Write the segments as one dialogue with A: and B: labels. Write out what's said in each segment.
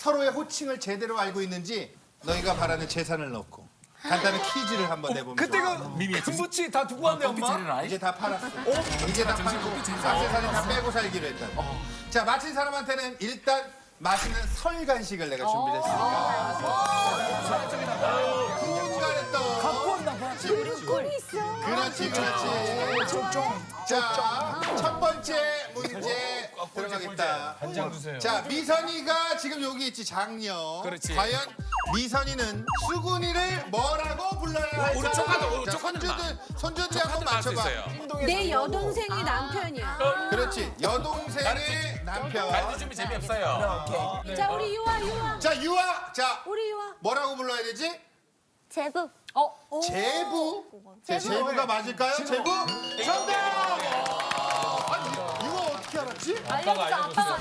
A: 서로의 호칭을 제대로 알고 있는지 너희가 바라는 재산을 넣고 간단한 퀴즈를 한번 내보면
B: 그때
A: 좋아.
B: 그 금붙이 다 두고 왔네 엄마.
A: 이제 다 팔았어. 이제 다 팔고 악세사리 다 빼고 살기로 했다. 자, 맞힌 사람한테는 일단 맛있는 설 간식을 내가 준비를 했으니까. 꿀가래떡.
B: 갖고 왔나 봐.
C: 꿀이 있어.
A: 그렇지, 그렇지. 자, 첫 번째 문제 들어가겠다.
B: 한장 주세요.
A: 자, 미선이가 지금 여기 있지, 장녀.
B: 그렇지.
A: 과연 미선이는 수근이를 뭐라고 불러야 할까?
D: 우리 조카도, 우리
A: 자,
D: 조카는
A: 손주들 한번 맞춰봐.
C: 내 여동생의 남편이야.
A: 그렇지, 여동생의 남편.
D: 가르쳐 주면 재미없어요.
C: 자, 우리 유아.
A: 자, 유아. 자,
C: 우리 유아.
A: 뭐라고 불러야 되지?
C: 제부.
A: 제부. 제부가 맞을까요? 제부? 정답! 아니, 유아 어떻게 알았지?
C: 아빠가.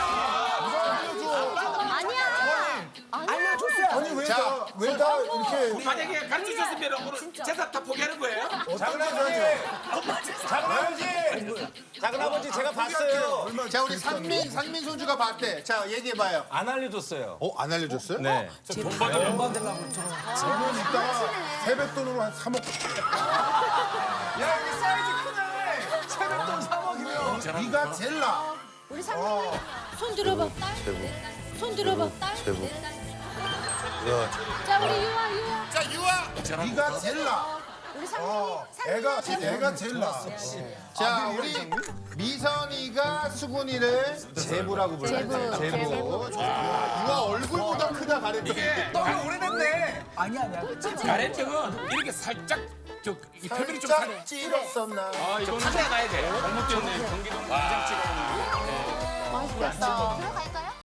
C: 아니야.
B: 알려줬어요.
E: 아니 왜
A: 자,
E: 다 왜 다 이렇게
D: 만약에 가르쳐 줬으면 오늘 재산 다 포기하는 거예요?
E: 작은아버지 제가 봤어요.
A: 자, 우리 상민 손주가 봤대. 자, 얘기해봐요.
B: 안 알려줬어요.
A: 안 알려줬어요?
B: 네.
E: 이따가 세뱃돈으로 한 3억.
B: 야 여기 사이즈 크네. 세뱃돈 3억이면.
E: 네가 제일 나.
C: 우리 상민이. 손 들어봐. 손 들어봐. 자, 우리 유아.
A: 자, 유아.
E: 네가 제일 나.
C: 우리 상민이.
E: 애가 제일 나.
A: 자, 우리 미선이가 수근이를 제부라고 불러요. 제부. 유아 얼굴보다 크다 가랬더니.
D: 이게
B: 너무 오래됐네. 아니야.
D: 가래떡은 이렇게 살짝 이 표면이 좀
E: 살짝 찔었었나.
D: 좀 타져야 돼.
C: 맛있겠다. 들어갈까?